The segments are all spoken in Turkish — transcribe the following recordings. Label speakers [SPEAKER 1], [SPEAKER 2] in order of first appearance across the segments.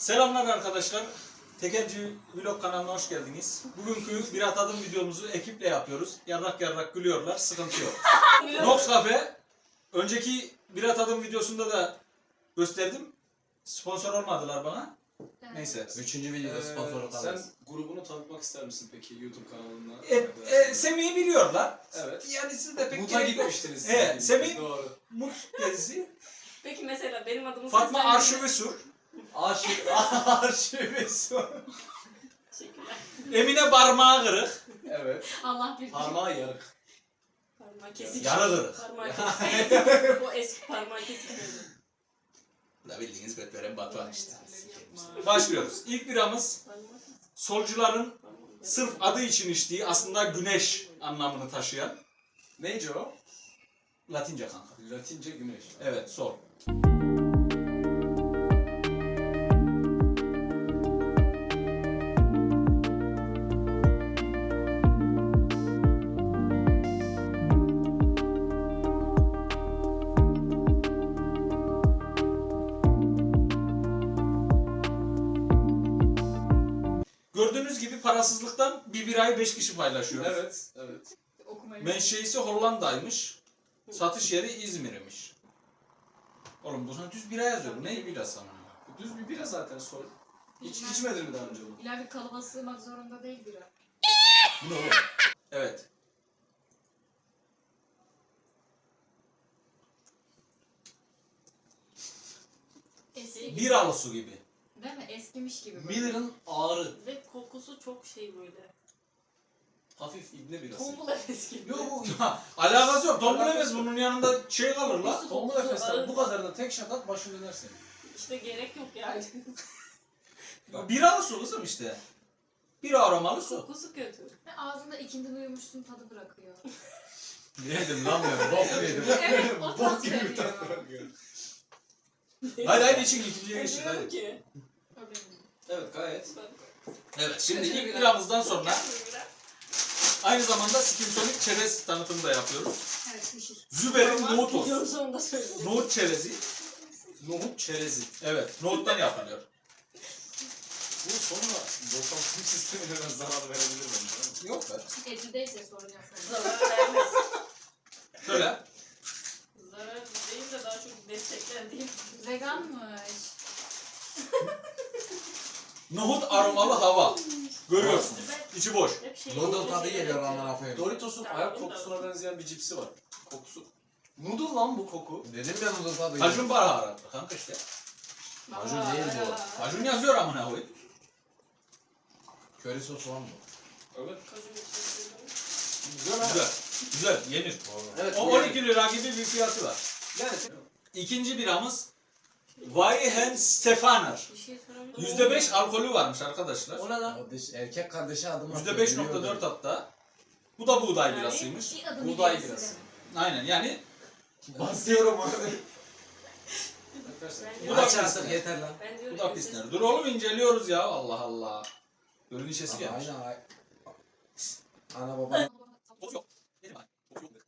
[SPEAKER 1] Selamlar arkadaşlar. Tekelci Vlog kanalına hoş geldiniz. Bugünkü bir atadım videomuzu ekiple yapıyoruz. Yarrak yarrak gülüyorlar, sıkıntı yok. Nox Cafe, önceki bir atadım videosunda da gösterdim. Sponsor olmadılar bana. Evet. Neyse.
[SPEAKER 2] Üçüncü videoda sponsor
[SPEAKER 3] Sen grubunu tanıtmak ister misin peki YouTube kanalında?
[SPEAKER 1] Semih'i biliyorlar.
[SPEAKER 3] Evet.
[SPEAKER 1] Yani siz de pek
[SPEAKER 3] Mut'a gitmiştiniz.
[SPEAKER 1] Evet, Semih
[SPEAKER 3] Doğru.
[SPEAKER 1] Mut gezisi.
[SPEAKER 4] Peki mesela benim adımı
[SPEAKER 1] Fatma
[SPEAKER 4] seslendirme-
[SPEAKER 1] Arşivesur.
[SPEAKER 3] Arşivesi.
[SPEAKER 4] Teşekkürler.
[SPEAKER 1] Emine Parmağı Kırık.
[SPEAKER 3] Evet.
[SPEAKER 4] Allah bir
[SPEAKER 3] Parmağı yarık.
[SPEAKER 4] Parmağı kesik.
[SPEAKER 1] Yarı kırık.
[SPEAKER 4] Parmağı kesik. O eski parmağı kesik.
[SPEAKER 1] Da bildiğiniz Betveren Batuhan işte.
[SPEAKER 4] Yapma.
[SPEAKER 1] Başlıyoruz. İlk biramız
[SPEAKER 4] Parmağı-
[SPEAKER 1] solcuların
[SPEAKER 4] parmağı-
[SPEAKER 1] sırf adı için içtiği, aslında güneş anlamını taşıyan
[SPEAKER 3] Neyce o?
[SPEAKER 1] Latince kanka.
[SPEAKER 3] Latince güneş.
[SPEAKER 1] Evet, sol. Gördüğünüz gibi parasızlıktan bir birayı 5 kişi paylaşıyor.
[SPEAKER 3] Evet. Evet.
[SPEAKER 1] Menşeisi Hollanda'ymış. Satış yeri İzmir'miş. Oğlum bu sana düz bira yazıyor. Bu ne birası ama?
[SPEAKER 3] Düz bir bira zaten sol. Hiç içmedin mi daha önce bunu?
[SPEAKER 5] İlla bir kalıba sığmak zorunda değil bira.
[SPEAKER 1] Bu ne oğlum? Evet.
[SPEAKER 5] Eski gibi.
[SPEAKER 1] Biralı su gibi.
[SPEAKER 5] Değil mi? Eskimiş gibi. böyle.
[SPEAKER 3] Miller'ın ağrı.
[SPEAKER 4] Ve kokusu çok şey böyle.
[SPEAKER 3] Hafif ibne birası.
[SPEAKER 4] Tombul efes gibi.
[SPEAKER 3] Yok.
[SPEAKER 1] Alakası yok. Tombul Efes bunun yanında şey kalır la.
[SPEAKER 4] Kokusu-
[SPEAKER 3] Tombul
[SPEAKER 4] kokusu
[SPEAKER 3] Efes'ten
[SPEAKER 4] ağır.
[SPEAKER 3] bu kadarına tek şat at başın döner senin.
[SPEAKER 4] İşte gerek yok yani.
[SPEAKER 1] Biralı su kızım işte. Bir aromalı su.
[SPEAKER 4] Kokusu kötü.
[SPEAKER 5] Ve ağzında ikindi duyumuşsun tadı bırakıyor.
[SPEAKER 1] Yedim lan ben. Bok yedim.
[SPEAKER 5] Evet o tat
[SPEAKER 3] Bok gibi bir
[SPEAKER 5] veriyor.
[SPEAKER 3] tat bırakıyor.
[SPEAKER 1] Haydi haydi için ikinciye geçtik
[SPEAKER 4] Bilmiyorum
[SPEAKER 1] hadi.
[SPEAKER 4] ki.
[SPEAKER 5] O benim.
[SPEAKER 3] Evet gayet.
[SPEAKER 1] Evet şimdi ilk biramızdan sonra aynı zamanda Skimsonic çerez tanıtımı da yapıyoruz.
[SPEAKER 5] Evet pişir.
[SPEAKER 1] Züber'in
[SPEAKER 4] Ama
[SPEAKER 1] nohut
[SPEAKER 4] videonun
[SPEAKER 1] olsun.
[SPEAKER 4] sonunda söyledim.
[SPEAKER 1] Nohut çerezi.
[SPEAKER 3] Nohut çerezi.
[SPEAKER 1] Evet, nohuttan yapılıyor.
[SPEAKER 3] Bu sonra dokunma sistemine biraz zarar verebilir bence.
[SPEAKER 1] Yok be.
[SPEAKER 5] Eti değilse sorun yok.
[SPEAKER 4] Zarar vermez.
[SPEAKER 1] Şöyle.
[SPEAKER 4] Zarar değil de daha çok destekler değil.
[SPEAKER 5] Veganmış.
[SPEAKER 1] Nohut aromalı hava. Görüyorsun. İçi boş.
[SPEAKER 4] Hep şey.
[SPEAKER 2] Noodle tadı geliyor amına koyayım.
[SPEAKER 3] Doritos'un ayak kokusuna benzeyen bir cipsi var. Kokusu. Noodle lan bu koku.
[SPEAKER 2] Dedim ya noodle tadı geliyor.
[SPEAKER 1] Kajun baharatlı kanka işte.
[SPEAKER 2] Kajun değil bu.
[SPEAKER 1] Kajun yazıyor amına koyayım.
[SPEAKER 2] Köri sosu var mı?
[SPEAKER 3] Evet.
[SPEAKER 1] Güzel. Güzel. Yenir.
[SPEAKER 3] Evet.
[SPEAKER 1] O 12 lira gibi bir fiyatı var.
[SPEAKER 3] Yani
[SPEAKER 1] İkinci biramız Weihenstephaner.
[SPEAKER 4] Bir şey sorabilir
[SPEAKER 1] %5 alkolü varmış arkadaşlar.
[SPEAKER 3] o ne lan?
[SPEAKER 2] Kardeş, erkek kardeşe adım atıyor.
[SPEAKER 1] %5.4 hatta. Bu da buğday
[SPEAKER 4] Yani-
[SPEAKER 1] birasıymış.
[SPEAKER 5] Bir adım
[SPEAKER 3] Buğday
[SPEAKER 5] ilerisi
[SPEAKER 3] birası.
[SPEAKER 5] demek.
[SPEAKER 1] Aynen yani
[SPEAKER 3] Basıyorum abi.
[SPEAKER 1] Bu da
[SPEAKER 2] Aç
[SPEAKER 1] pisler.
[SPEAKER 2] artık yeter lan.
[SPEAKER 4] Ben
[SPEAKER 1] Bu
[SPEAKER 4] diyorum
[SPEAKER 1] da pisler. Dur oğlum inceliyoruz ya. Allah Allah. Gölün işesi gelmiş.
[SPEAKER 2] Aynen. Ana baba.
[SPEAKER 1] Koku yok. Dedim ben. Koku yok.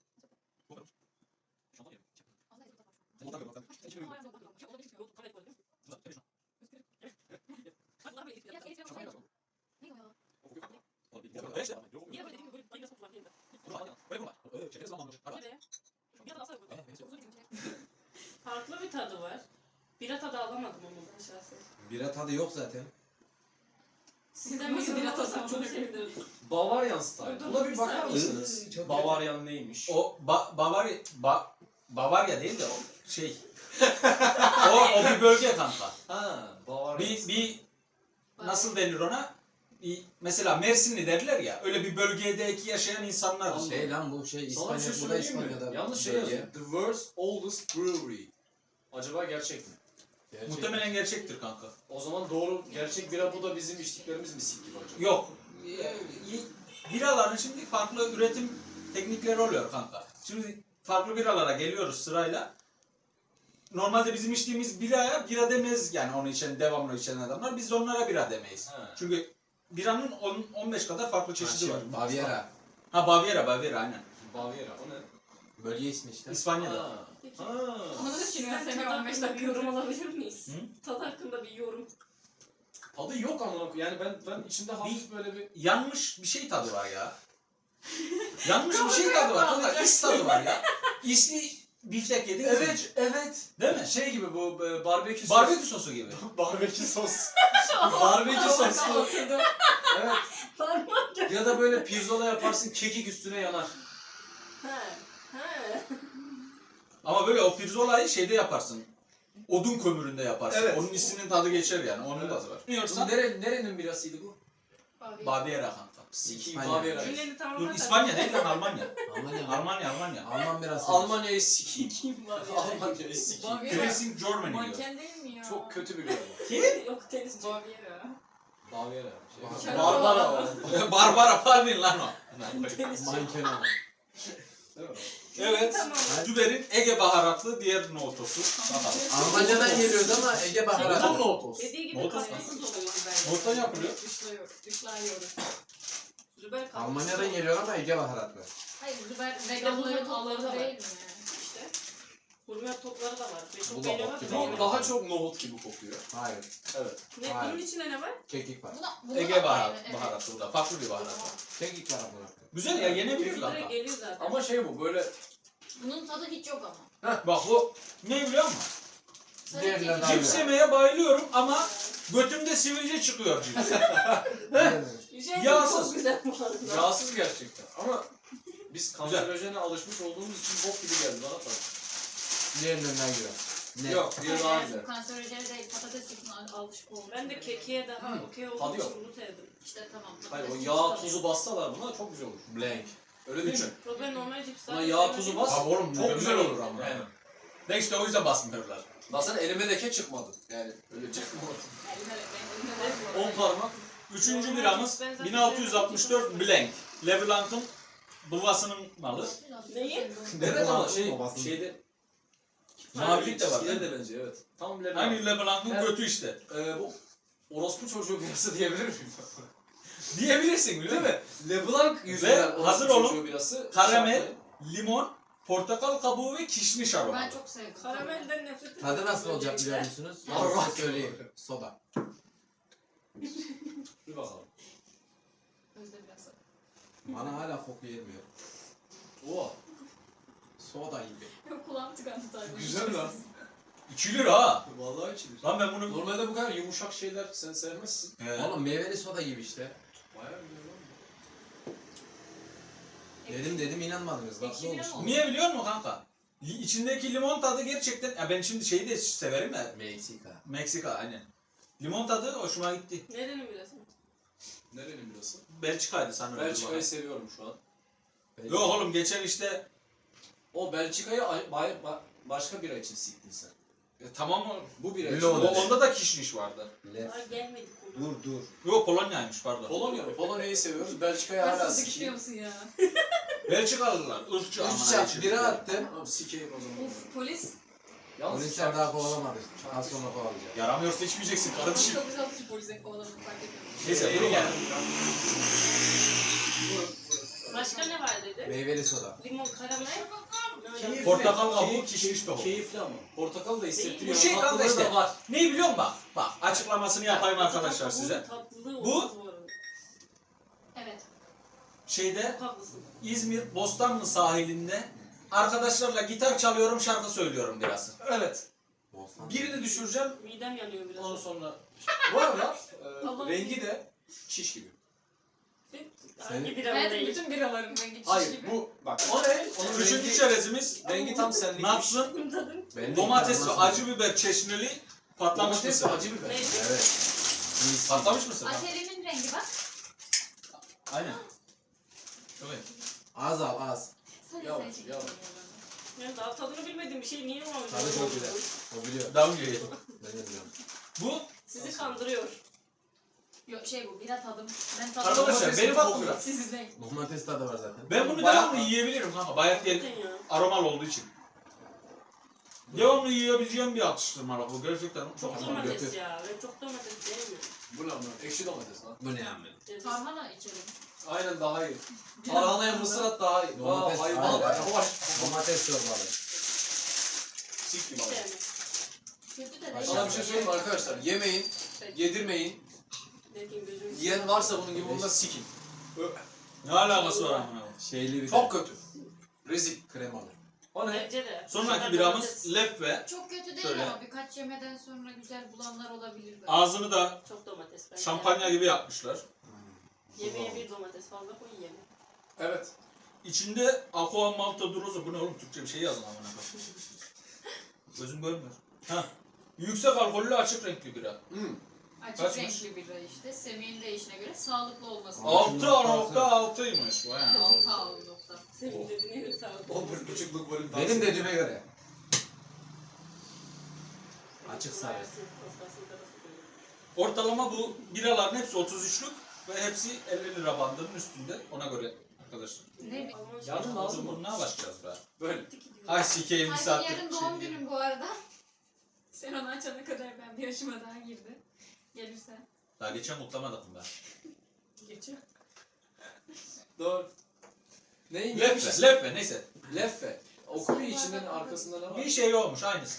[SPEAKER 4] Farklı bir tadı var. Bira tadı alamadım onu ben şahsen.
[SPEAKER 2] Bira tadı yok zaten.
[SPEAKER 4] Sizden bir bira tadı çok sevdim.
[SPEAKER 3] Bavarian style.
[SPEAKER 4] Dur,
[SPEAKER 3] Buna
[SPEAKER 4] bir
[SPEAKER 3] bir bakar
[SPEAKER 4] saniye.
[SPEAKER 3] mısınız?
[SPEAKER 2] Çok
[SPEAKER 3] Bavarian neymiş?
[SPEAKER 1] O Bavarya değil de o şey. o bir bölge kanka.
[SPEAKER 3] Ha, Bavarian.
[SPEAKER 1] Bir nasıl denir ona? Mesela Mersinli derler ya. Öyle bir bölgedeki yaşayan insanlar.
[SPEAKER 2] Şey lan bu şey
[SPEAKER 3] Sana bir şey
[SPEAKER 2] İspanya, bu da
[SPEAKER 3] söyleyeyim mi?
[SPEAKER 2] İspanya'da.
[SPEAKER 3] Yanlış şey
[SPEAKER 2] bölge.
[SPEAKER 3] yazıyor. The world's oldest brewery. Acaba gerçek mi?
[SPEAKER 2] Gerçek.
[SPEAKER 1] Muhtemelen gerçektir kanka.
[SPEAKER 3] O zaman doğru gerçek bira bu da bizim içtiklerimiz mi sik gibi acaba?
[SPEAKER 1] Yok. Biraların şimdi farklı üretim teknikleri oluyor kanka. Şimdi farklı biralara geliyoruz sırayla. Normalde bizim içtiğimiz biraya bira demez yani onu içen, devamlı içen adamlar. Biz onlara bira demeyiz.
[SPEAKER 3] He.
[SPEAKER 1] Çünkü biranın 15 kadar farklı çeşidi var.
[SPEAKER 2] Baviera.
[SPEAKER 1] Ha Baviera aynen.
[SPEAKER 3] Baviera o ne?
[SPEAKER 2] Bölge ismi işte.
[SPEAKER 1] İspanya'da.
[SPEAKER 3] Ha. Ha.
[SPEAKER 5] Onu da düşünüyorum.
[SPEAKER 4] Tadı
[SPEAKER 5] Seni 15
[SPEAKER 4] hakkında bir
[SPEAKER 5] dakika.
[SPEAKER 4] yorum alabilir miyiz?
[SPEAKER 1] Hı?
[SPEAKER 4] Tadı hakkında bir yorum.
[SPEAKER 3] Tadı yok ama yani ben içinde hafif böyle bir
[SPEAKER 1] Yanmış bir şey tadı var ya. Yanmış bir şey tadı var. Kanka is tadı var ya. İsli biftek yedin.
[SPEAKER 3] evet.
[SPEAKER 1] Değil mi?
[SPEAKER 3] Şey gibi bu barbekü sos.
[SPEAKER 1] Barbekü sosu gibi.
[SPEAKER 3] Barbekü sos. Barbekü soslu.
[SPEAKER 5] Oturdum.
[SPEAKER 3] Evet.
[SPEAKER 4] Parmak.
[SPEAKER 3] Ya da böyle pirzola yaparsın kekik üstüne yanar.
[SPEAKER 4] He.
[SPEAKER 1] Ama böyle o pirzolayı şeyde yaparsın. Odun kömüründe yaparsın.
[SPEAKER 3] Evet.
[SPEAKER 1] Onun isinin tadı geçer yani. Onun tadı var.
[SPEAKER 3] Bu
[SPEAKER 1] Bilmiyorsan
[SPEAKER 3] nerenin birasıydı bu?
[SPEAKER 1] Baviera kanka.
[SPEAKER 3] Sikiyim
[SPEAKER 2] İspanya.
[SPEAKER 3] Bavyera.
[SPEAKER 4] Cümleni tamam.
[SPEAKER 1] Dur İspanya değil lan Almanya.
[SPEAKER 2] Almanya.
[SPEAKER 1] Almanya.
[SPEAKER 2] Alman biraz.
[SPEAKER 3] Almanya'yı sikiyim.
[SPEAKER 5] Kim var ya?
[SPEAKER 3] Almanya'yı sikiyim.
[SPEAKER 5] Baviera.
[SPEAKER 1] Racing Germany diyor.
[SPEAKER 5] Manken değil mi ya?
[SPEAKER 3] Çok kötü bir galiba.
[SPEAKER 4] Yok tenisçi.
[SPEAKER 5] Baviera.
[SPEAKER 3] Bavyera.
[SPEAKER 2] Şey-
[SPEAKER 3] Barbara o.
[SPEAKER 1] Barbara Palin lan o.
[SPEAKER 4] Tenisçi.
[SPEAKER 2] Manken ama.
[SPEAKER 3] Değil mi?
[SPEAKER 1] Evet.
[SPEAKER 4] Tamam.
[SPEAKER 1] Züber'in Ege baharatlı diğer nohutosu. Bakalım.
[SPEAKER 2] Almanya'dan geliyordu ama Ege
[SPEAKER 3] Tam
[SPEAKER 2] baharatı.
[SPEAKER 3] nohutos.
[SPEAKER 4] Dediği gibi
[SPEAKER 1] Nohut
[SPEAKER 4] katkısız oluyor Züber.
[SPEAKER 1] Nohuttan yapılıyor.
[SPEAKER 5] Dışlıyoruz.
[SPEAKER 4] Züber katkısız
[SPEAKER 2] Almanya'dan
[SPEAKER 4] oluyor.
[SPEAKER 2] geliyor ama Ege baharatlı.
[SPEAKER 5] Hayır, Züber
[SPEAKER 4] İşte
[SPEAKER 5] veganların
[SPEAKER 4] bunun
[SPEAKER 5] topları
[SPEAKER 4] topları da
[SPEAKER 5] değil
[SPEAKER 4] var.
[SPEAKER 5] mi?
[SPEAKER 4] İşte. Hurmet topları da var. Ve
[SPEAKER 2] Bu
[SPEAKER 4] çok
[SPEAKER 2] da
[SPEAKER 4] beğeniyorlar.
[SPEAKER 2] bok
[SPEAKER 4] da
[SPEAKER 2] gibi.
[SPEAKER 3] Bu
[SPEAKER 4] beğeniyorlar.
[SPEAKER 3] daha çok nohut gibi kokuyor.
[SPEAKER 2] Hayır.
[SPEAKER 3] Evet.
[SPEAKER 4] Ne,
[SPEAKER 2] Hayır.
[SPEAKER 4] bunun içinde ne var?
[SPEAKER 2] Kekik var.
[SPEAKER 5] Buna
[SPEAKER 1] Ege
[SPEAKER 5] da
[SPEAKER 1] baharat,
[SPEAKER 5] aynı, evet.
[SPEAKER 1] baharatı bu da. Farklı bir baharat.
[SPEAKER 2] Kekik var ama.
[SPEAKER 1] Güzel ya yenebilir
[SPEAKER 4] Direkt
[SPEAKER 1] kanka.
[SPEAKER 4] geliyor zaten.
[SPEAKER 3] Ama şey bu böyle
[SPEAKER 5] Bunun tadı hiç yok ama.
[SPEAKER 1] Bak bu ne biliyor musun?
[SPEAKER 5] Sadece
[SPEAKER 2] Diğerleri
[SPEAKER 5] kekik.
[SPEAKER 2] daha
[SPEAKER 1] Cips yemeye bayılıyorum ama götümde sivilce çıkıyor cips.
[SPEAKER 4] Şey
[SPEAKER 1] Yağsız.
[SPEAKER 4] çok güzel bu arada.
[SPEAKER 3] yağsız gerçekten. Ama biz kanserojene alışmış olduğumuz için bok gibi geldi bana tabii.
[SPEAKER 2] Diğerlerinden giriyor. Ne?
[SPEAKER 3] Yok, diğeri daha
[SPEAKER 5] Hayır,
[SPEAKER 3] güzel.
[SPEAKER 5] kanserojeni değil, patates çiftine alışık olmuş.
[SPEAKER 4] Ben de kekiğe daha okey
[SPEAKER 3] tadı
[SPEAKER 4] olduğum
[SPEAKER 3] yok.
[SPEAKER 4] için bunu sevdim.
[SPEAKER 5] İşte tamam.
[SPEAKER 3] Hayır o
[SPEAKER 5] patates
[SPEAKER 3] yağ
[SPEAKER 5] çipsi
[SPEAKER 3] tuzu bassalar buna çok güzel olur.
[SPEAKER 2] Blank.
[SPEAKER 3] Öyle değil mi?
[SPEAKER 4] Problem normal cips
[SPEAKER 3] Buna
[SPEAKER 4] zaten
[SPEAKER 3] yağ
[SPEAKER 4] sevmediğim
[SPEAKER 3] tuzu bas.
[SPEAKER 4] için-
[SPEAKER 1] Abi oğlum
[SPEAKER 3] Çok güzel olur
[SPEAKER 1] ama.
[SPEAKER 3] Yani.
[SPEAKER 1] Ne işte o yüzden basmıyorlar.
[SPEAKER 3] Baksana elime leke çıkmadı. Yani öyle çıkmadı.
[SPEAKER 5] Elime-
[SPEAKER 3] 10 parmak.
[SPEAKER 1] Üçüncü biramız 1664 Blanc. Leblanc'ın babasının malı.
[SPEAKER 4] Neyi?
[SPEAKER 3] Evet ama
[SPEAKER 2] Babasının-
[SPEAKER 3] şeyde
[SPEAKER 1] Mavilik de var.
[SPEAKER 3] Skiler de benziyor evet. Tam Leblanc.
[SPEAKER 1] Aynı Leblanc'ın
[SPEAKER 3] Evet.
[SPEAKER 1] götü işte.
[SPEAKER 3] Bu orospu çocuğu birası diyebilir miyim?
[SPEAKER 1] Diyebilirsin biliyor
[SPEAKER 3] Değil
[SPEAKER 1] musun?
[SPEAKER 3] mi? Leblanc yüzünden orospu
[SPEAKER 1] hazır olun.
[SPEAKER 3] çocuğu birası.
[SPEAKER 1] Karamel,
[SPEAKER 3] şartlı.
[SPEAKER 1] limon, portakal kabuğu ve kişniş aromalı.
[SPEAKER 5] Ben çok sevdim.
[SPEAKER 4] Karamelden nefret ediyorum.
[SPEAKER 2] Tadı nasıl olacak biliyor musunuz? Ben
[SPEAKER 3] Allah.
[SPEAKER 2] size söyleyeyim. Soda.
[SPEAKER 3] Bir bakalım.
[SPEAKER 5] Özde biraz.
[SPEAKER 2] Bana hala koku gelmiyor.
[SPEAKER 3] Oo.
[SPEAKER 2] Soda gibi.
[SPEAKER 5] Yok, kulağım tıkandı tabii.
[SPEAKER 3] Güzel lan.
[SPEAKER 1] 2 lira ha.
[SPEAKER 3] Vallahi içilir.
[SPEAKER 1] Lan ben bunu...
[SPEAKER 3] Normalde bu kadar yumuşak şeyler sen sevmezsin.
[SPEAKER 2] Oğlum meyveli soda gibi işte.
[SPEAKER 3] Bayağı güzel lan.
[SPEAKER 2] Dedim inanmadınız. Bak
[SPEAKER 5] Ekşi
[SPEAKER 2] ne
[SPEAKER 5] bile
[SPEAKER 2] olmuş.
[SPEAKER 5] mi oldu?
[SPEAKER 1] Niye biliyor musun kanka? İçindeki limon tadı gerçekten... Ya ben şimdi şeyi de severim ya.
[SPEAKER 2] Meksika.
[SPEAKER 1] Meksika aynen. Limon tadı hoşuma gitti.
[SPEAKER 4] Nerenin bilirsin?
[SPEAKER 3] Nerenin birası?
[SPEAKER 1] Belçika'ydı sanırım.
[SPEAKER 3] Belçika'yı seviyorum şu an.
[SPEAKER 1] Yok oğlum geçen işte...
[SPEAKER 3] O Belçika'yı başka bira için siktin sen.
[SPEAKER 1] Tamam oğlum.
[SPEAKER 3] Bu bira
[SPEAKER 2] Öyle
[SPEAKER 3] için.
[SPEAKER 2] oldu.
[SPEAKER 1] Onda da kişniş vardı.
[SPEAKER 2] Lef.
[SPEAKER 4] Daha gelmedik ona.
[SPEAKER 2] Dur.
[SPEAKER 1] Yok Polonya'ymış pardon.
[SPEAKER 3] Polonya'yı seviyoruz. Belçika'yı hala
[SPEAKER 5] Nasıl sıkışıyor
[SPEAKER 3] sikeyim.
[SPEAKER 5] musun ya?
[SPEAKER 1] Belçikalılar ırkçı
[SPEAKER 2] Üç
[SPEAKER 1] amına
[SPEAKER 2] çap
[SPEAKER 1] içim.
[SPEAKER 2] bira attım.
[SPEAKER 3] Tamam sikeyim o zaman.
[SPEAKER 5] Uf, polis.
[SPEAKER 3] Yalnız
[SPEAKER 2] Polisler daha kovalamadı. Az sonra kovalayacak.
[SPEAKER 1] Yaramıyorsa içmeyeceksin kardeşim.
[SPEAKER 5] Çok güzel atış polise kovaladım, fark etmedim.
[SPEAKER 1] Neyse durun yani.
[SPEAKER 4] Başka ne var dedi?
[SPEAKER 2] Meyveli soda.
[SPEAKER 4] Limon, karamel.
[SPEAKER 3] Keyifli.
[SPEAKER 1] Portakal kabuğu, kişniş tohumu.
[SPEAKER 3] Keyifli ama. Portakal da hissettiriyor.
[SPEAKER 1] Bu şey kanka
[SPEAKER 3] Tatlıları
[SPEAKER 1] işte.
[SPEAKER 3] da var.
[SPEAKER 1] Ne biliyor musun bak? Bak açıklamasını yapayım arkadaşlar size.
[SPEAKER 4] Tatlılığı
[SPEAKER 1] Bu-
[SPEAKER 4] olmaz bu arada.
[SPEAKER 5] Evet.
[SPEAKER 1] Şeyde
[SPEAKER 4] Çok haklısın.
[SPEAKER 1] İzmir Bostanlı sahilinde arkadaşlarla gitar çalıyorum şarkı söylüyorum biraz.
[SPEAKER 3] Evet.
[SPEAKER 2] Olsan.
[SPEAKER 1] Birini düşüreceğim.
[SPEAKER 4] Midem yanıyor biraz.
[SPEAKER 3] Ondan sonra. Bu arada
[SPEAKER 4] Allah'ım.
[SPEAKER 3] rengi de çiş gibi.
[SPEAKER 4] Hangi bir
[SPEAKER 5] Ben
[SPEAKER 4] değil?
[SPEAKER 5] bütün biraların rengi çiş
[SPEAKER 3] Hayır
[SPEAKER 5] gibi.
[SPEAKER 3] bu bak o ne? Onun
[SPEAKER 1] Üçüncü
[SPEAKER 3] rengi,
[SPEAKER 1] çerezimiz
[SPEAKER 3] rengi tam senlik.
[SPEAKER 1] Nats'ın
[SPEAKER 4] Tadın.
[SPEAKER 2] Ben de
[SPEAKER 1] domates ve
[SPEAKER 2] inanmazsın.
[SPEAKER 1] acı biber çeşnili patlamış
[SPEAKER 3] Domates
[SPEAKER 1] mısır.
[SPEAKER 3] acı biber.
[SPEAKER 4] Neyse.
[SPEAKER 2] Evet. Mis.
[SPEAKER 1] Patlamış mısır.
[SPEAKER 5] Aterimin rengi bak.
[SPEAKER 1] Aynen. Evet.
[SPEAKER 2] Az al az.
[SPEAKER 5] Sadece
[SPEAKER 3] Yavaş,
[SPEAKER 5] sen çekin.
[SPEAKER 3] yavaş.
[SPEAKER 4] Yani daha tadını bilmediğim bir şey niye var?
[SPEAKER 2] Tadı çok güzel. O biliyor.
[SPEAKER 1] Daha önce yedim.
[SPEAKER 2] Ben de biliyorum.
[SPEAKER 1] Bu
[SPEAKER 4] Sizi kandırıyor.
[SPEAKER 5] Yok şey bu, bira tadım. Ben tadım.
[SPEAKER 1] arkadaşlar
[SPEAKER 3] Domatesin
[SPEAKER 1] benim
[SPEAKER 3] kokuyor.
[SPEAKER 1] aklımda.
[SPEAKER 5] Sizin renk.
[SPEAKER 2] Domates tadı var zaten.
[SPEAKER 1] Ben bunu
[SPEAKER 3] Bayağı-
[SPEAKER 1] devamlı yiyebilirim kanka. Bayat yer
[SPEAKER 4] Zaten ya.
[SPEAKER 1] aromal olduğu için. Devamlı yiyebileceğim bir atıştırmalık bu. Gerçekten çok
[SPEAKER 4] Çok
[SPEAKER 1] hoşuma
[SPEAKER 4] domates
[SPEAKER 2] götür.
[SPEAKER 4] ya. Ben çok domates sevmiyorum.
[SPEAKER 3] Bu ne lan? Ekşi domates lan.
[SPEAKER 2] Bu ne amel?
[SPEAKER 4] Ceviz.
[SPEAKER 5] Tarhana içelim.
[SPEAKER 3] Aynen daha iyi. Tarhanaya mısır at daha iyi.
[SPEAKER 2] Domates,
[SPEAKER 3] Vay
[SPEAKER 2] aynen.
[SPEAKER 3] yavaş.
[SPEAKER 2] Domates çorbalı.
[SPEAKER 3] Sik gibi
[SPEAKER 4] Hiç
[SPEAKER 3] abi.
[SPEAKER 4] sevmem.
[SPEAKER 5] Kötü de
[SPEAKER 2] Başka
[SPEAKER 3] Sana
[SPEAKER 5] değil.
[SPEAKER 3] bir şey söyleyeyim mi arkadaşlar? Yemeyin, yedirmeyin.
[SPEAKER 4] Derken gözümü
[SPEAKER 3] Yiyen varsa bunun gibi onda sikin.
[SPEAKER 1] Ne alakası var amına?
[SPEAKER 2] Şeyli bir
[SPEAKER 3] Çok
[SPEAKER 2] de.
[SPEAKER 3] kötü. Rezil.
[SPEAKER 2] Kremalı.
[SPEAKER 3] O ne?
[SPEAKER 4] Bence de.
[SPEAKER 1] Sonraki biramız leffe.
[SPEAKER 5] Çok kötü değil
[SPEAKER 1] Şöyle.
[SPEAKER 5] ama birkaç yemeden sonra güzel bulanlar olabilir böyle.
[SPEAKER 1] Ağzını da
[SPEAKER 4] Çok domates bence.
[SPEAKER 1] şampanya gibi yapmışlar.
[SPEAKER 4] Yemeğe bir domates fazla koy yeme.
[SPEAKER 3] Evet.
[SPEAKER 1] İçinde aqua malta durozu. Bu ne oğlum? Türkçe bir şey yazın amına. Gözüm görmüyor. Hah. Yüksek alkollü açık renkli bira.
[SPEAKER 5] Açık
[SPEAKER 1] Kaçmış?
[SPEAKER 5] renkli bira işte. Semih'in deyişine göre sağlıklı olması.
[SPEAKER 1] 6.6'ymış. Vay anasını.
[SPEAKER 5] 6 nokta.
[SPEAKER 4] Senin dediğine göre sağlık.
[SPEAKER 3] 11,5'luk bölüm daha.
[SPEAKER 2] Benim dediğime göre. Açık sarı.
[SPEAKER 1] Ortalama bu biraların hepsi 33'lük ve hepsi 50 lira bandının üstünde. Ona göre arkadaşlar.
[SPEAKER 5] Ne?
[SPEAKER 3] Yarın lazım mı?
[SPEAKER 1] Bunu ne başlayacağız be?
[SPEAKER 3] Böyle.
[SPEAKER 1] Ay sikeyim bir
[SPEAKER 5] Hadi
[SPEAKER 1] saattir.
[SPEAKER 5] yarın doğum günüm bu arada. Sen onu açana kadar ben bir yaşıma daha girdim. Gelirsen.
[SPEAKER 1] Daha geçen mutlamadık ben.
[SPEAKER 4] Geçiyor.
[SPEAKER 3] Doğru. Neyin
[SPEAKER 1] Leffe, leffe neyse.
[SPEAKER 3] Leffe. Okuyor içinden arkasında ne var?
[SPEAKER 1] Bir şey olmuş aynısı.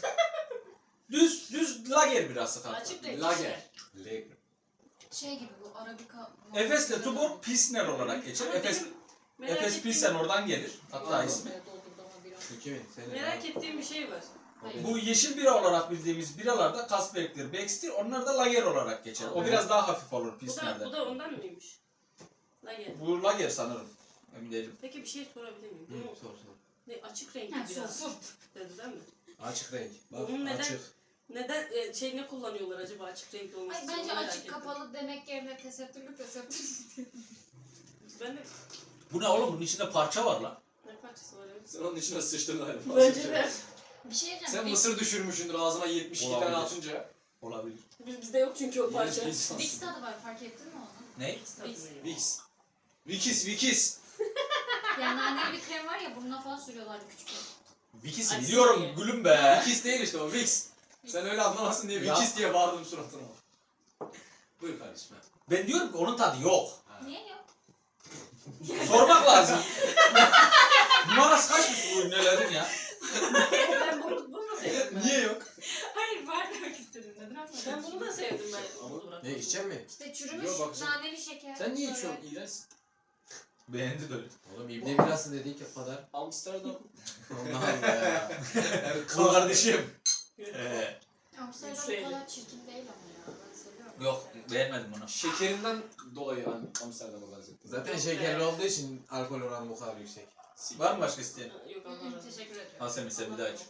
[SPEAKER 1] Düz lager birası kanka.
[SPEAKER 4] Açık renk.
[SPEAKER 3] Lager.
[SPEAKER 2] Leg.
[SPEAKER 5] Şey gibi bu Arabika.
[SPEAKER 1] Efes'le Tuborg Pilsner olarak geçer.
[SPEAKER 4] Ama
[SPEAKER 1] Efes,
[SPEAKER 4] benim merak
[SPEAKER 1] Efes
[SPEAKER 4] ettiğim-
[SPEAKER 1] Pilsen oradan gelir. Hatta
[SPEAKER 2] Aa.
[SPEAKER 1] ismi.
[SPEAKER 2] Kimin? Senin.
[SPEAKER 4] Merak ettiğim bir şey var.
[SPEAKER 1] Bu yeşil bira olarak bildiğimiz biralarda Kasperk'tir, Becks'tir. Onlar da lager olarak geçer. O biraz daha hafif olur
[SPEAKER 4] Bu
[SPEAKER 1] Pilsner'den.
[SPEAKER 4] da ondan mıymış? Lager.
[SPEAKER 1] Bu lager sanırım. Emin değilim.
[SPEAKER 4] Peki bir şey sorabilir miyim?
[SPEAKER 2] Hı,
[SPEAKER 4] Bunu
[SPEAKER 2] sor sor.
[SPEAKER 4] ne açık renkli
[SPEAKER 5] Ha,
[SPEAKER 4] biraz
[SPEAKER 5] sus.
[SPEAKER 4] dedi değil mi?
[SPEAKER 2] Açık renk. Bak
[SPEAKER 4] Onun neden-
[SPEAKER 2] açık.
[SPEAKER 4] Neden ne kullanıyorlar acaba açık renkli olması
[SPEAKER 5] Ay
[SPEAKER 4] için?
[SPEAKER 5] bence
[SPEAKER 4] Onu merak
[SPEAKER 5] açık
[SPEAKER 4] ettim.
[SPEAKER 5] kapalı demek yerine tesettürlü.
[SPEAKER 4] Ben de
[SPEAKER 1] Bu ne oğlum? Bunun içinde parça var lan.
[SPEAKER 4] ne parçası var evet.
[SPEAKER 3] Sen onun içine sıçtın galiba.
[SPEAKER 4] Bence de.
[SPEAKER 5] Bir şey diyeceğim.
[SPEAKER 3] Sen mısır düşürmüşsündür ağzına 72 tane
[SPEAKER 1] Olabilir.
[SPEAKER 3] atınca.
[SPEAKER 1] Olabilir.
[SPEAKER 4] Bizde yok çünkü o parça.
[SPEAKER 3] İğrenç bir insansın.
[SPEAKER 5] Vicks tadı var fark ettin mi onu?
[SPEAKER 1] Ne?
[SPEAKER 3] Vicks. Vikis.
[SPEAKER 5] Yani naneli bir krem var ya burnuna falan sürüyorlardı küçükken.
[SPEAKER 1] Vikis'i
[SPEAKER 4] Açık
[SPEAKER 1] biliyorum
[SPEAKER 4] rengi.
[SPEAKER 1] gülüm be.
[SPEAKER 3] Vikis değil işte o Vicks. Sen öyle anlamazsın diye
[SPEAKER 1] Ya.
[SPEAKER 3] Vikis diye bağırdım suratına. Buyur kardeşim.
[SPEAKER 1] Ben diyorum ki onun tadı yok.
[SPEAKER 5] Niye yok?
[SPEAKER 1] Sormak lazım. Numarası kaçmış bu ürünlerin ya?
[SPEAKER 4] Ben bunu da sevdim ben.
[SPEAKER 3] Niye yok?
[SPEAKER 5] Hayır var demek istedim neden?
[SPEAKER 4] Ben bunu da sevdim ben. Onu bırak.
[SPEAKER 2] Ne içecek mi?
[SPEAKER 5] İşte çürümüş
[SPEAKER 3] Yok, bak sen-
[SPEAKER 5] naneli şeker.
[SPEAKER 3] Sen niye
[SPEAKER 5] böyle.
[SPEAKER 3] içiyorsun? İğrenç.
[SPEAKER 1] Beğendi de öyle.
[SPEAKER 2] Oğlum İbne birası dedik ya kadar.
[SPEAKER 3] Amsterdam.
[SPEAKER 2] Allah Allah ya.
[SPEAKER 1] Kıl kardeşim.
[SPEAKER 5] Amsterdam
[SPEAKER 4] Yükseğiyle.
[SPEAKER 5] bu kadar çirkin değil ama ya. Ben seviyorum.
[SPEAKER 1] Yok beğenmedim bunu.
[SPEAKER 3] Şekerinden dolayı Amsterdam'a benzettim.
[SPEAKER 2] Zaten şekerli olduğu için alkol oranı bu kadar yüksek.
[SPEAKER 1] Var mı başka isteyen?
[SPEAKER 4] Yok
[SPEAKER 5] Hı hı,
[SPEAKER 4] anlamadım.
[SPEAKER 5] Teşekkür ederim.
[SPEAKER 1] Ha sen bir daha iç.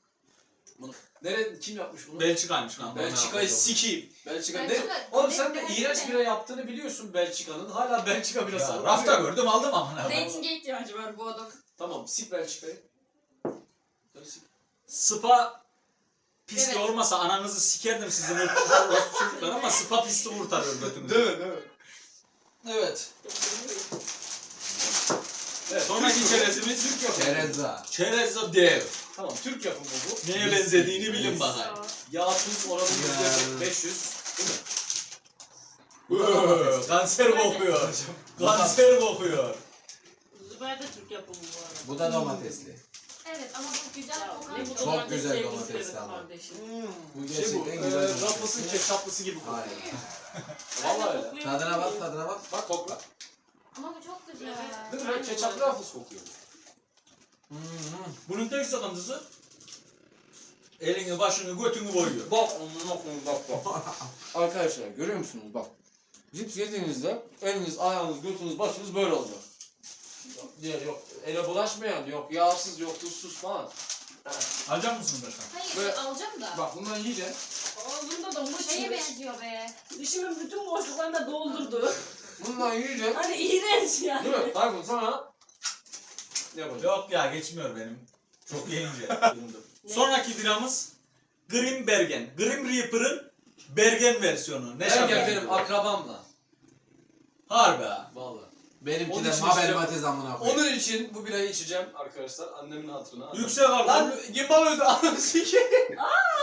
[SPEAKER 3] Kim yapmış bunu?
[SPEAKER 1] Belçika'ymış lan.
[SPEAKER 3] Belçika'yı sikeyim. Belçika ne?
[SPEAKER 5] Belçika-
[SPEAKER 3] Oğlum sen de
[SPEAKER 5] Belçika-
[SPEAKER 3] iğrenç bira yaptığını biliyorsun Belçika'nın. Hala Belçika birası.
[SPEAKER 1] Ya,
[SPEAKER 3] var.
[SPEAKER 1] rafta gördüm aldım amına.
[SPEAKER 5] Reytinge ihtiyacı var bu adam.
[SPEAKER 3] Tamam sik Belçika'yı. Sen sik.
[SPEAKER 1] Spa pisti
[SPEAKER 5] Evet.
[SPEAKER 1] olmasa ananızı sikerdim sizin çocuklar ama spa pisti kurtarıyor götünüzü.
[SPEAKER 3] Değil mi? Değil mi?
[SPEAKER 1] Evet.
[SPEAKER 3] Evet,
[SPEAKER 1] Sonraki
[SPEAKER 3] Türk
[SPEAKER 1] çerezimiz
[SPEAKER 3] Türk yapımı.
[SPEAKER 2] Çerezza.
[SPEAKER 1] Çerezza dev.
[SPEAKER 3] Tamam Türk yapımı bu.
[SPEAKER 1] Neye benzediğini bilin bakayım.
[SPEAKER 3] Yağ tuz oranı
[SPEAKER 2] Ya.
[SPEAKER 3] %500. Değil mi?
[SPEAKER 1] Kanser kokuyor. Kanser kokuyor.
[SPEAKER 4] Züber de Türk yapımı bu arada.
[SPEAKER 2] Bu da domatesli.
[SPEAKER 5] Evet ama bu güzel
[SPEAKER 4] Ya,
[SPEAKER 5] kokan
[SPEAKER 4] ne bu
[SPEAKER 5] bir
[SPEAKER 2] Çok
[SPEAKER 4] domates
[SPEAKER 2] güzel
[SPEAKER 4] sevgisi
[SPEAKER 2] domates
[SPEAKER 4] evet
[SPEAKER 2] ama.
[SPEAKER 4] kardeşim.
[SPEAKER 2] Bu
[SPEAKER 3] Şey bu,
[SPEAKER 2] gerçekten güzel
[SPEAKER 3] Rafos'un
[SPEAKER 2] domates.
[SPEAKER 3] ketçaplısı gibi kokuyor.
[SPEAKER 2] Aynen.
[SPEAKER 3] Vallahi öyle.
[SPEAKER 4] koklayabilir
[SPEAKER 2] Tadına bak
[SPEAKER 4] miyim?
[SPEAKER 2] tadına bak.
[SPEAKER 3] Bak kokla.
[SPEAKER 5] Ama bu çok güzel.
[SPEAKER 3] Değil mi? Böyle ketçaplı Rafos kokuyor.
[SPEAKER 1] Bunun tek sıkıntısı elini, başını, götünü boyuyor.
[SPEAKER 3] Bak bak. Arkadaşlar görüyor musunuz bak. Cips yediğinizde eliniz, ayağınız, götünüz, başınız böyle olacak. Yok ele bulaşmayan, yok yağsız, yok tuzsuz falan.
[SPEAKER 1] Alacak mısın başkan?
[SPEAKER 5] Hayır
[SPEAKER 3] Böyle-
[SPEAKER 5] alacağım da.
[SPEAKER 3] Bak bundan yiyeceksin.
[SPEAKER 4] Ağzımda da
[SPEAKER 5] Bu şeye
[SPEAKER 4] mıç
[SPEAKER 5] benziyor be.
[SPEAKER 4] Dişimin bütün boşluklarını da doldurdu.
[SPEAKER 3] Bundan yiyeceksin.
[SPEAKER 4] Hani iğrenç yani.
[SPEAKER 3] Değil mi? Hayır sana ne yapacağım?
[SPEAKER 1] Yok ya geçmiyor benim. Çok yiyince. Sonraki biramız Grim Bergen. Grim Reaper'ın Bergen versiyonu. Ne
[SPEAKER 3] Ergen
[SPEAKER 1] şaka
[SPEAKER 3] benim
[SPEAKER 1] gibi.
[SPEAKER 3] akrabamla.
[SPEAKER 1] Harbi ha.
[SPEAKER 3] Vallahi.
[SPEAKER 2] Benimki
[SPEAKER 3] Onun
[SPEAKER 2] de
[SPEAKER 3] için
[SPEAKER 2] Mabel
[SPEAKER 3] işte-
[SPEAKER 2] Matiz amına koyayım.
[SPEAKER 3] Onun için bu birayı içeceğim arkadaşlar annemin hatırına.
[SPEAKER 1] Yüksek
[SPEAKER 3] Lan
[SPEAKER 1] alkollü.
[SPEAKER 3] gimbal öldü anam sikeyim.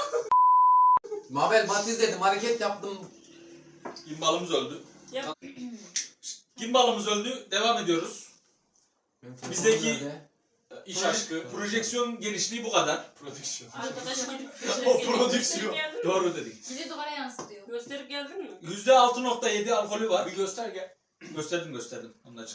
[SPEAKER 2] Mabel Matiz dedim hareket yaptım.
[SPEAKER 1] Gimbalımız öldü.
[SPEAKER 4] Ya-
[SPEAKER 1] Gimbalımız öldü. Devam ediyoruz. Bizdeki-
[SPEAKER 2] Nerede?
[SPEAKER 3] İş aşkı.
[SPEAKER 1] Projeksiyon genişliği bu kadar.
[SPEAKER 3] Prodüksiyon.
[SPEAKER 4] Arkadaşı gidip
[SPEAKER 3] O prodüksiyon.
[SPEAKER 1] Doğru dedik.
[SPEAKER 5] Bir de duvara yansıtıyor.
[SPEAKER 4] Gösterip geldin mi?
[SPEAKER 1] %6.7 alkolü var.
[SPEAKER 3] Bir göster gel.
[SPEAKER 1] Gösterdim. Ondan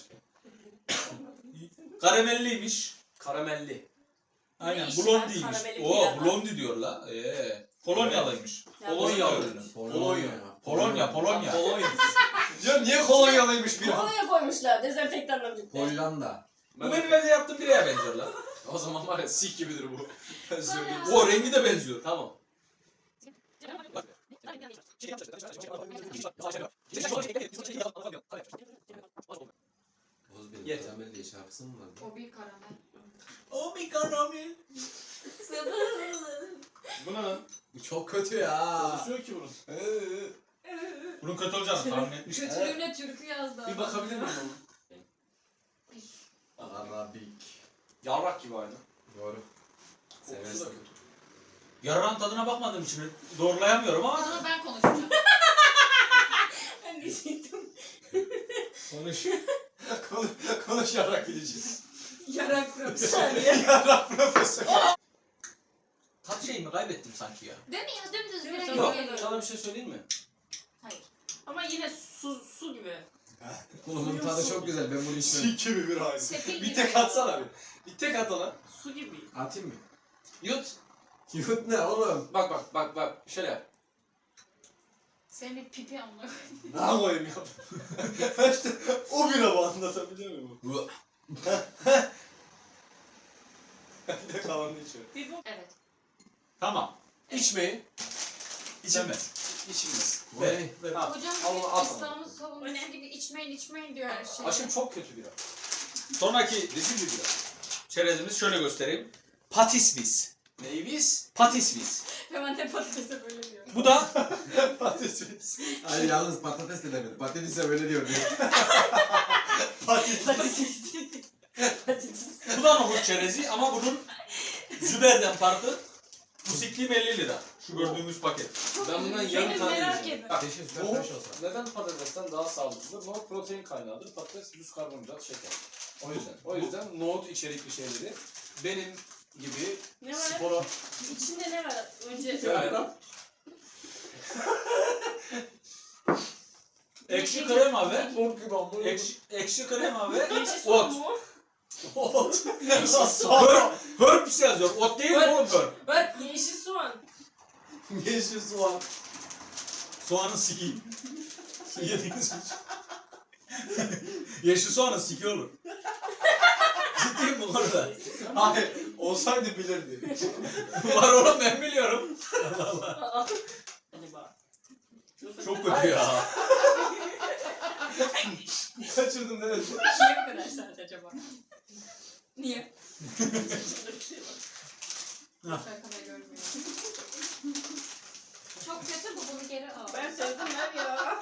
[SPEAKER 1] Karamelliymiş.
[SPEAKER 3] Karamelli.
[SPEAKER 1] Aynen,
[SPEAKER 4] Ne işi var?
[SPEAKER 1] blondiymiş.
[SPEAKER 4] Karameli
[SPEAKER 1] Oo,
[SPEAKER 4] bir adam.
[SPEAKER 1] blondi diyor la. Polonyalıymış.
[SPEAKER 4] Ya,
[SPEAKER 3] Polonyalı.
[SPEAKER 1] ürünü.
[SPEAKER 3] Polonya.
[SPEAKER 1] Polonya.
[SPEAKER 3] Polonya. Ya niye kolonyalıymış bir an?
[SPEAKER 4] Kolonya koymuşlar dezenfektanla birlikte.
[SPEAKER 2] Hollanda.
[SPEAKER 1] Bu benim evde yaptığım bireye benziyor la.
[SPEAKER 3] O zaman var ya sik gibidir bu. Ben söyleyeyim.
[SPEAKER 1] O rengi de benziyor.
[SPEAKER 3] Tamam.
[SPEAKER 2] Oğuz benim
[SPEAKER 3] Yeter.
[SPEAKER 2] karamel diye şarkısı mı var?
[SPEAKER 5] O bir karamel.
[SPEAKER 1] O bir karamel.
[SPEAKER 3] Bu ne lan?
[SPEAKER 2] Bu çok kötü ya.
[SPEAKER 3] Konuşuyor ki bunun.
[SPEAKER 1] Bunun kötü olacağını tahmin etmiştim.
[SPEAKER 5] Kötülüğüne türkü yazdı.
[SPEAKER 3] Bir bakabilir miyim ona?
[SPEAKER 2] Arabik.
[SPEAKER 3] Yarrak gibi aynı.
[SPEAKER 2] Doğru.
[SPEAKER 3] Kokusu da
[SPEAKER 2] Seversin.
[SPEAKER 3] kötü.
[SPEAKER 1] Yarrağın tadına bakmadığım için doğrulayamıyorum
[SPEAKER 5] O
[SPEAKER 1] ama
[SPEAKER 5] zaman ben konuşacağım.
[SPEAKER 4] Ben diyecektim.
[SPEAKER 3] Konuş. Konuş yarrak bileceğiz.
[SPEAKER 5] Yarak profesör.
[SPEAKER 3] Yarrak profesör.
[SPEAKER 1] tat şeyimi kaybettim sanki ya.
[SPEAKER 5] Değil mi ya? Dümdüz bir
[SPEAKER 4] Yok,
[SPEAKER 5] renk
[SPEAKER 4] yok.
[SPEAKER 5] geliyor.
[SPEAKER 3] Sana bir şey söyleyeyim mi?
[SPEAKER 5] Hayır.
[SPEAKER 4] Ama yine su gibi.
[SPEAKER 2] Bunun tadı çok güzel. Ben bunu içmem.
[SPEAKER 3] Sik gibi bir hali.
[SPEAKER 5] Sefil
[SPEAKER 3] Bir
[SPEAKER 5] gibi
[SPEAKER 3] tek
[SPEAKER 5] ya.
[SPEAKER 3] atsana bir. Bir tek at ona.
[SPEAKER 4] Su gibi.
[SPEAKER 2] Atayım mı?
[SPEAKER 3] Yut.
[SPEAKER 2] Yut ne oğlum?
[SPEAKER 3] Bak. Şöyle yap.
[SPEAKER 5] Senin bir pipi amına.
[SPEAKER 3] Ne koyayım ya? İşte o bile bu anlatabiliyor muyum? Ben de kalanını içiyorum.
[SPEAKER 4] Bir bu.
[SPEAKER 5] Evet.
[SPEAKER 1] Tamam.
[SPEAKER 3] İçmeyin.
[SPEAKER 1] İçilmez.
[SPEAKER 3] İçilmez.
[SPEAKER 1] Ver. Ver.
[SPEAKER 3] Ha,
[SPEAKER 5] Hocam
[SPEAKER 3] al onu, at
[SPEAKER 5] İslam'ın
[SPEAKER 3] onu.
[SPEAKER 5] savunucusu gibi içmeyin diyor her şey.
[SPEAKER 3] Aşkım çok kötü bira.
[SPEAKER 1] Sonraki
[SPEAKER 3] Rezil bir bira.
[SPEAKER 1] çerezimiz şöyle göstereyim. Patisvis.
[SPEAKER 3] Neyvis?
[SPEAKER 1] Patisvis.
[SPEAKER 5] Hemen de patatese böyle diyor.
[SPEAKER 1] Bu da
[SPEAKER 3] Patates.
[SPEAKER 2] Hayır yalnız patates de demedi. Patates'e böyle diyor.
[SPEAKER 1] bu da nohut çerezi ama bunun Züber'den farkı musiklim 50 lira. Şu gördüğümüz paket.
[SPEAKER 3] Ben bundan
[SPEAKER 4] Benim
[SPEAKER 3] yarım tane
[SPEAKER 4] merak
[SPEAKER 3] yiyeceğim.
[SPEAKER 4] etme.
[SPEAKER 3] Bak,
[SPEAKER 2] Keşke süper
[SPEAKER 3] nohut
[SPEAKER 2] fresh olsa.
[SPEAKER 3] neden patatesten daha sağlıklıdır? Nohut protein kaynağıdır. Patates düz karbonhidrat, şeker. O yüzden nohut içerikli şeyleri benim gibi
[SPEAKER 4] Ne var?
[SPEAKER 3] spora...
[SPEAKER 4] İçinde ne var? Önce
[SPEAKER 3] Yani,
[SPEAKER 1] Ekşi krema ve
[SPEAKER 3] Nohut gibi ama.
[SPEAKER 1] ekşi krema ve
[SPEAKER 4] Yeşil
[SPEAKER 1] ot.
[SPEAKER 4] soğan mu?
[SPEAKER 3] Ot.
[SPEAKER 1] Herbs yazıyor. Ot değil mi oğlum herb?
[SPEAKER 4] Bak yeşil soğan.
[SPEAKER 3] Yeşil soğan.
[SPEAKER 1] Soğanın siki. Yediğiniz Yeşil soğanın siki olur. Ciddiyim bu konuda.
[SPEAKER 3] Hayır, olsaydı bilirdi.
[SPEAKER 1] Var oğlum, ben biliyorum.
[SPEAKER 4] Acaba.
[SPEAKER 1] Çok kötü ya.
[SPEAKER 3] Kaçırdım ne dedim?
[SPEAKER 5] Niye bu kadar sert acaba? Niye? Şarkıda görmüyor. Çok kötü bu, bunu geri al.
[SPEAKER 4] Ben sevdim ver ya.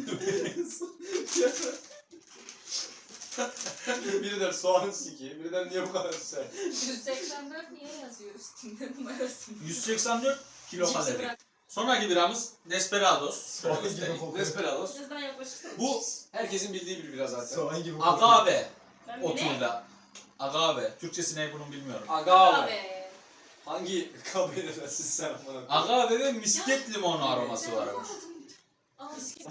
[SPEAKER 3] Biri der soğanın siki, biri der niye bu kadar sert?
[SPEAKER 5] 184 niye yazıyor üstünde numarasını?
[SPEAKER 1] 184 kilo
[SPEAKER 5] Cipsi
[SPEAKER 1] kalori.
[SPEAKER 5] bırak.
[SPEAKER 1] Sonraki biramız Desperados.
[SPEAKER 2] Soğan gibi kokuyor.
[SPEAKER 3] Desperados.
[SPEAKER 4] Birazdan yaklaşırsın.
[SPEAKER 1] Bu
[SPEAKER 3] Herkesin bildiği bir bira zaten.
[SPEAKER 2] Soğan gibi kokuyor.
[SPEAKER 1] agave
[SPEAKER 4] Ben bile.
[SPEAKER 1] otuyla. Agave. Türkçesi ne bunun bilmiyorum.
[SPEAKER 3] Agave.
[SPEAKER 5] Abi.
[SPEAKER 3] Hangi kabiledensin sen amına?
[SPEAKER 1] Agave ve misket limonu aroması varmış.
[SPEAKER 5] Al.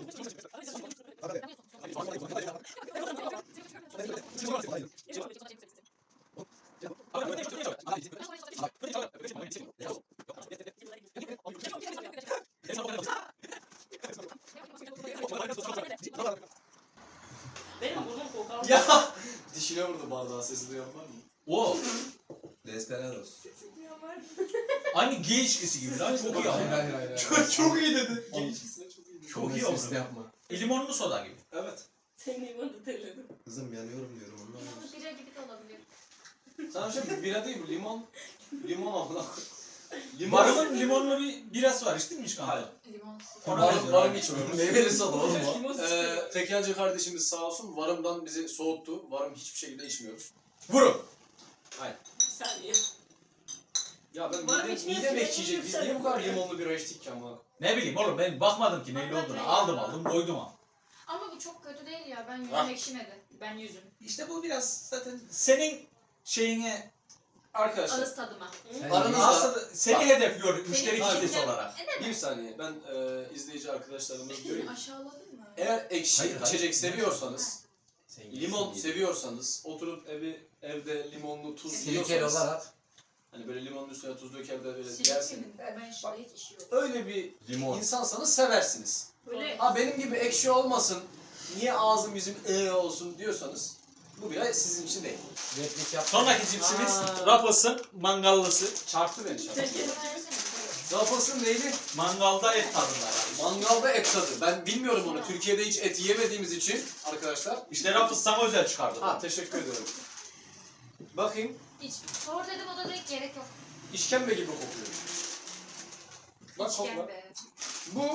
[SPEAKER 4] Benim burnum kokar.
[SPEAKER 3] Ya! Dişine vurdu bardağı, sesi duyan var mı?
[SPEAKER 1] O
[SPEAKER 2] Desperados.
[SPEAKER 1] aynı gay ilişkisi gibi lan, çok iyi
[SPEAKER 2] Hayır
[SPEAKER 1] ama.
[SPEAKER 2] hayır hayır.
[SPEAKER 3] Çok iyi dedi. Gençsin çok iyi dedi.
[SPEAKER 1] Çok iyi
[SPEAKER 2] Sesli
[SPEAKER 1] oldu.
[SPEAKER 2] yapma.
[SPEAKER 1] Limonlu soda gibi.
[SPEAKER 3] Evet.
[SPEAKER 4] Senin limonu terledim.
[SPEAKER 2] Kızım yanıyorum diyorum ondan.
[SPEAKER 5] Bu bira gibi de olabilir.
[SPEAKER 3] Sana şey bira değil bu limon. Limon amına koy.
[SPEAKER 1] Varımın limonlu bir birası var, içtin mi hiç kanka?
[SPEAKER 3] Hayır.
[SPEAKER 5] Limon.
[SPEAKER 1] Ona
[SPEAKER 3] Varım,
[SPEAKER 1] benziyor
[SPEAKER 3] varım
[SPEAKER 1] abi.
[SPEAKER 3] içmiyoruz.
[SPEAKER 2] Meyveli soda oğlum o.
[SPEAKER 4] Limon sıçrıyor.
[SPEAKER 3] Tekelci kardeşimiz sağ olsun varımdan bizi soğuttu. Varım hiçbir şekilde içmiyoruz.
[SPEAKER 1] Vurun.
[SPEAKER 4] Bir saniye.
[SPEAKER 3] Ya ben
[SPEAKER 4] Varım
[SPEAKER 3] midem
[SPEAKER 4] içmiyorsun,
[SPEAKER 3] ekşiyecek. Biz
[SPEAKER 4] sen
[SPEAKER 3] niye bu kadar
[SPEAKER 4] yapıyorsun.
[SPEAKER 3] limonlu bira içtik ki amına?
[SPEAKER 1] Ne bileyim oğlum, ben bakmadım ki neyle olduğunu. Aldım doydum ama.
[SPEAKER 5] Ama bu çok kötü değil ya. Ben
[SPEAKER 1] Ha.
[SPEAKER 5] yüzüm ekşimedi. Ben yüzüm.
[SPEAKER 1] İşte bu biraz zaten senin şeyine
[SPEAKER 3] Arkadaşlar
[SPEAKER 5] Ağız tadıma.
[SPEAKER 3] aranızda
[SPEAKER 1] Aslında seni hedefliyor müşteri
[SPEAKER 5] Seni
[SPEAKER 1] kitlesi
[SPEAKER 5] hedefliyor.
[SPEAKER 1] olarak.
[SPEAKER 3] bir saniye ben izleyici arkadaşlarımız diyorum.
[SPEAKER 5] Aşağıladın mı?
[SPEAKER 3] Eğer ekşi
[SPEAKER 2] Hayır, hayır.
[SPEAKER 3] içecek seviyorsanız,
[SPEAKER 2] Sen
[SPEAKER 3] limon
[SPEAKER 2] gitsin
[SPEAKER 3] seviyorsanız, oturup evde limonlu tuz
[SPEAKER 2] Sirkeli
[SPEAKER 3] yiyorsanız,
[SPEAKER 2] olarak
[SPEAKER 3] hani böyle limonun üstüne tuz döker de böyle
[SPEAKER 5] Sirke
[SPEAKER 3] yersin.
[SPEAKER 5] mi? Ben şurada hiç işi yok.
[SPEAKER 3] Öyle bir
[SPEAKER 2] limon.
[SPEAKER 3] insansanız seversiniz.
[SPEAKER 4] Böyle
[SPEAKER 3] Ha benim gibi ekşi olmasın, niye ağzım yüzüm olsun diyorsanız bu bira sizin için değil.
[SPEAKER 2] Replik yap.
[SPEAKER 1] Sonraki cipsimiz
[SPEAKER 3] Aa.
[SPEAKER 1] Ruffles'ın mangallısı.
[SPEAKER 3] Çarptı beni çarptı.
[SPEAKER 5] Sirke versene.
[SPEAKER 3] Ruffles'ın neydi?
[SPEAKER 1] Mangalda et tadında yani.
[SPEAKER 3] Mangalda et tadı. Ben bilmiyorum onu. Türkiye'de hiç et yemediğimiz için arkadaşlar.
[SPEAKER 1] İşte Ruffles sana özel çıkardı.
[SPEAKER 3] Ha teşekkür ederim. Bakayım.
[SPEAKER 5] Hiç. Sor dedim o da direkt gerek yok.
[SPEAKER 3] İşkembe gibi kokuyor. Bak kokla.
[SPEAKER 5] İşkembe.
[SPEAKER 3] Bu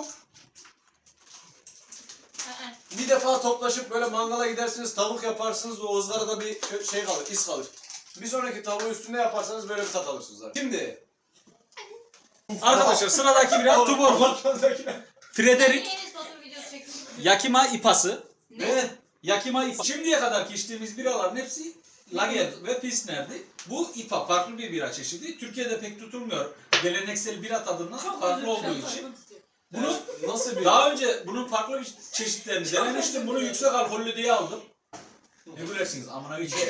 [SPEAKER 5] Aa,
[SPEAKER 3] bir defa toplaşıp böyle mangala gidersiniz, tavuk yaparsınız, o ızgarada bir şey kalır, iz kalır. Bir sonraki tavuğu üstünde yaparsanız böyle bir tat alırsınız zaten. Şimdi.
[SPEAKER 1] Arkadaşlar sıradaki bira Tuborg'un Frederick
[SPEAKER 5] Enes Batur videosu çekmiş.
[SPEAKER 1] Yakima İpası.
[SPEAKER 3] Ne?
[SPEAKER 1] Yakima İPA. Şimdiye kadar içtiğimiz biraların hepsi Lager ve Pilsner'di. Bu IPA farklı bir bira çeşidi. Türkiye'de pek tutulmuyor. Geleneksel bira tadından farklı olduğu için. Bunu
[SPEAKER 3] Nasıl bir...
[SPEAKER 1] daha önce bunun farklı bir çeşitlerini denemiştim. Bunu yüksek alkollü diye aldım. Ne gülersiniz amına geçeyim.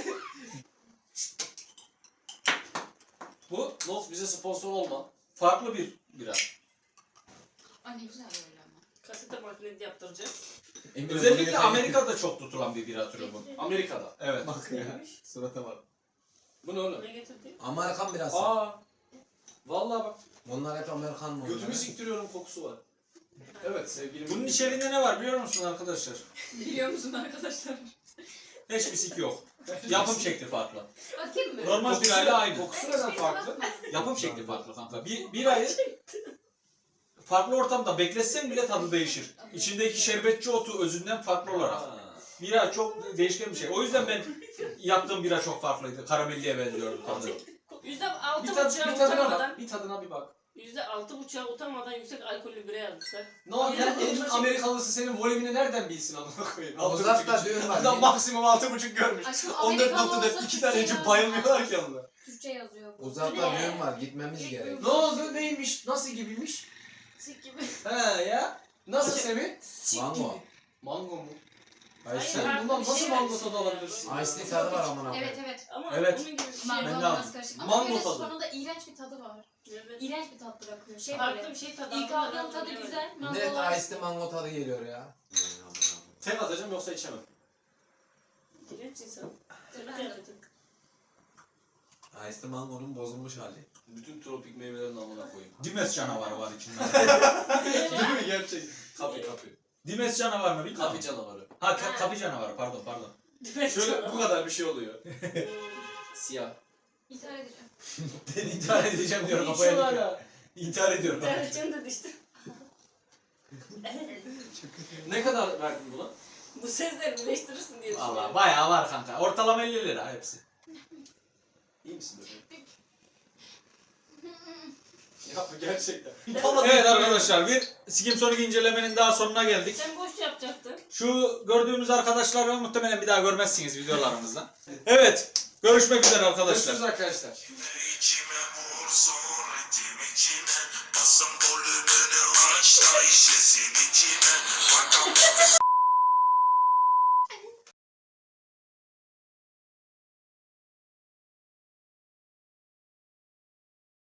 [SPEAKER 1] Bu
[SPEAKER 3] Nox bize sponsor olma.
[SPEAKER 1] farklı bir bira.
[SPEAKER 5] Ay ne güzel böyle ama.
[SPEAKER 4] kasete makinesi yaptıracağız.
[SPEAKER 1] Özellikle Amerika'da çok tutulan bir bira türü bu.
[SPEAKER 3] Amerika'da.
[SPEAKER 1] Evet.
[SPEAKER 2] Bak ya. Surata bak.
[SPEAKER 3] Bu ne oğlum?
[SPEAKER 4] Ne getirdi?
[SPEAKER 2] Amerikan birası.
[SPEAKER 3] Aa. Vallahi bak.
[SPEAKER 2] Onlar hep Amerikan mı?
[SPEAKER 3] Götümü siktiriyorum kokusu var. Evet sevgilim.
[SPEAKER 1] Bunun içeriğinde ne var biliyor musun arkadaşlar?
[SPEAKER 5] Biliyor musun arkadaşlar?
[SPEAKER 1] Hiçbir sik yok. Yapım şekli farklı.
[SPEAKER 5] Bakayım mı?
[SPEAKER 1] Normal
[SPEAKER 3] Kokusu-
[SPEAKER 1] birayla aynı.
[SPEAKER 3] Kokusu neden farklı?
[SPEAKER 1] Yapım şekli farklı kanka. Bir ayı farklı ortamda bekletsen bile tadı değişir. İçindeki şerbetçi otu özünden farklı olarak.
[SPEAKER 3] Ha.
[SPEAKER 1] Bira çok değişken bir şey. O yüzden ben yaptığım bira çok farklıydı. Karamelliye benziyordu tadı.
[SPEAKER 4] %6,5'a
[SPEAKER 3] Bir tadına
[SPEAKER 4] utanmadan,
[SPEAKER 3] bak. Bir tadına bir bak.
[SPEAKER 4] %6,5'a utanmadan yüksek alkollü bira yazmışlar.
[SPEAKER 3] Ne oldu ya? Elin Amerikalısı senin volümünü nereden bilsin amına koyayım?
[SPEAKER 2] Uzakta düğün var.
[SPEAKER 3] Adam maksimum 6,5 görmüş.
[SPEAKER 5] Aşkım
[SPEAKER 3] 14
[SPEAKER 5] Amerikan
[SPEAKER 3] noktada
[SPEAKER 5] olsa
[SPEAKER 3] 2 tane
[SPEAKER 5] Türkçe
[SPEAKER 3] için
[SPEAKER 5] yazıyor.
[SPEAKER 3] bayılmıyorlar ki onunla.
[SPEAKER 5] Türkçe yazıyor bu.
[SPEAKER 2] Uzakta
[SPEAKER 4] Ne?
[SPEAKER 2] düğün var. Gitmemiz gerek.
[SPEAKER 3] Ne oldu? Neymiş? Nasıl gibiymiş?
[SPEAKER 5] Sik gibi.
[SPEAKER 3] He ya. Nasıl Semih?
[SPEAKER 2] Mango.
[SPEAKER 3] Mango mu?
[SPEAKER 4] Hayır,
[SPEAKER 2] Ice
[SPEAKER 3] Sen
[SPEAKER 4] farklı
[SPEAKER 3] bundan
[SPEAKER 4] bir
[SPEAKER 3] nasıl
[SPEAKER 4] şey
[SPEAKER 3] mango
[SPEAKER 4] var.
[SPEAKER 3] tadı alabilirsin?
[SPEAKER 2] Ice tea tadı var amına
[SPEAKER 5] Evet
[SPEAKER 2] koyayım.
[SPEAKER 5] evet.
[SPEAKER 4] Ama
[SPEAKER 1] Evet.
[SPEAKER 4] onun gibi bir şey.
[SPEAKER 5] Mango
[SPEAKER 1] Ben de
[SPEAKER 5] biraz
[SPEAKER 1] aldım.
[SPEAKER 5] karışık.
[SPEAKER 3] Mango
[SPEAKER 5] Ama böyle
[SPEAKER 3] tadı.
[SPEAKER 5] sonunda iğrenç bir tadı var.
[SPEAKER 4] Evet.
[SPEAKER 5] İğrenç bir tat bırakıyor. Şey
[SPEAKER 4] Farklı
[SPEAKER 5] böyle.
[SPEAKER 4] bir şey tadı.
[SPEAKER 5] İlk
[SPEAKER 4] aldım,
[SPEAKER 5] aldığım tadı
[SPEAKER 4] evet.
[SPEAKER 5] güzel.
[SPEAKER 2] Net
[SPEAKER 5] Mangolar.
[SPEAKER 2] ice tea mango tadı geliyor ya.
[SPEAKER 3] Tek atacağım yoksa içemem.
[SPEAKER 4] İğrenç insan.
[SPEAKER 5] Ben de-
[SPEAKER 4] Kıyafeti.
[SPEAKER 2] Ice tea mangonun bozulmuş hali.
[SPEAKER 3] Bütün tropik meyvelerin amına koyayım.
[SPEAKER 1] Dimes canavarı var içinde.
[SPEAKER 3] Değil mi gerçek? Kapı.
[SPEAKER 1] Dimes canavarı mı bilmiyorum.
[SPEAKER 3] Kapı canavarı.
[SPEAKER 1] Ha kapı canavarı pardon.
[SPEAKER 3] Şöyle bu kadar bir şey oluyor. Siyah.
[SPEAKER 5] İntihar edeceğim.
[SPEAKER 1] Ben intihar edeceğim diyorum
[SPEAKER 3] Ne
[SPEAKER 1] kafaya
[SPEAKER 3] içiyorlar
[SPEAKER 1] dikiyor.
[SPEAKER 3] ya?
[SPEAKER 1] İntihar ediyorum.
[SPEAKER 4] Tercihim de düştü.
[SPEAKER 3] Ne kadar verdin buna?
[SPEAKER 4] Bu sesleri birleştirirsin diye
[SPEAKER 1] Valla
[SPEAKER 4] düşünüyorum.
[SPEAKER 1] bayağı var kanka. Ortalama 50 lira hepsi.
[SPEAKER 3] İyi misin böyle? Ya bu gerçekten.
[SPEAKER 1] Evet arkadaşlar bir Sikim Sonic incelemenin daha sonuna geldik.
[SPEAKER 4] Sen boş yapacaktın.
[SPEAKER 1] Şu gördüğümüz arkadaşları muhtemelen bir daha görmezsiniz videolarımızda. Evet görüşmek üzere arkadaşlar.
[SPEAKER 3] Görüşürüz arkadaşlar.
[SPEAKER 6] İçime vursun ritim içime Basın volümünü aç da işlesin içime Bakalım